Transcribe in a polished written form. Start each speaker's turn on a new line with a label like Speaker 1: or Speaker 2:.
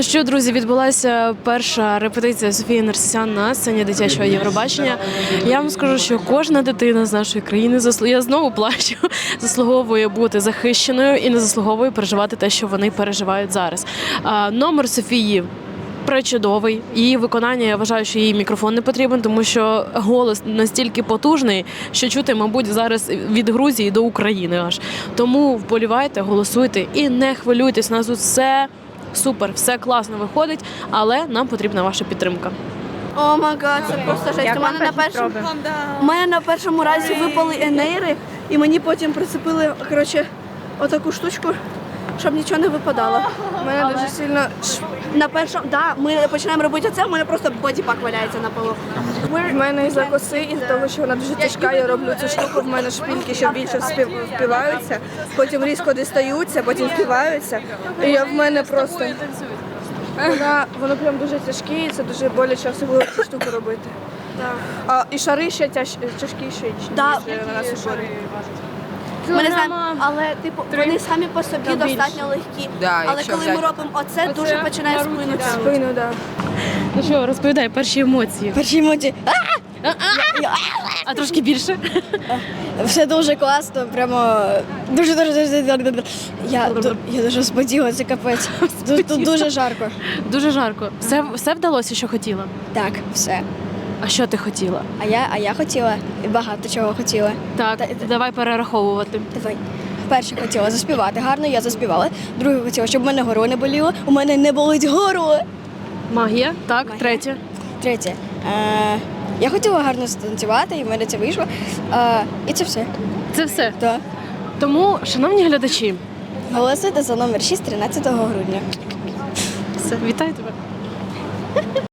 Speaker 1: Ну що, друзі, відбулася перша репетиція Софії Нерсесян на сцені дитячого Євробачення. Я вам скажу, що кожна дитина з нашої країни, я знову плачу, заслуговує бути захищеною і не заслуговує переживати те, що вони переживають зараз. Номер Софії пречудовий. Її виконання, я вважаю, що їй мікрофон не потрібен, тому що голос настільки потужний, що чути, мабуть, зараз від Грузії до України аж. Тому вболівайте, голосуйте і не хвилюйтесь, у нас тут все супер, все класно виходить, але нам потрібна ваша підтримка.
Speaker 2: О май гад, це просто жесть. У мене на першому разі випали енейри, і мені потім прицепили, отаку штучку, щоб нічого не випадало. У мене дуже сильно на першому, ми починаємо робити це, у мене просто бодіпак валяється на полу. В мене із-за коси, із-за того, що вона дуже тяжка, я роблю цю штуку, в мене шпильки, що більше впиваються, потім різко дістаються, потім впиваються. І в мене просто воно прям дуже тяжке, і це дуже боляче, особливо цю штуку робити. І шари ще тяжкіші, ніж на нас у шари. Але вони самі по собі достатньо легкі. Але коли ми робимо оце, дуже починає спину.
Speaker 1: Ну що, розповідай, перші емоції.
Speaker 3: Перші емоції.
Speaker 1: А трошки більше?
Speaker 3: Все дуже класно, прямо дуже. Я дуже споділа, це капець. Тут дуже жарко.
Speaker 1: Дуже жарко. Все вдалося, що хотіла?
Speaker 3: Так, все.
Speaker 1: А що ти хотіла?
Speaker 3: А я хотіла, і багато чого хотіла.
Speaker 1: Так, давай перераховувати.
Speaker 3: Давай. Перше хотіла заспівати гарно, я заспівала. Друге хотіла, щоб в мене горло не боліло. У мене не болить горло.
Speaker 1: Магія, так,
Speaker 3: Магія.
Speaker 1: Третє.
Speaker 3: Третє. Я хотіла гарно станцювати, і в мене це вийшло. І це все.
Speaker 1: Це все?
Speaker 3: Так.
Speaker 1: Тому, шановні глядачі,
Speaker 3: Голосуйте за номер 6 13 грудня.
Speaker 1: все, вітаю тебе.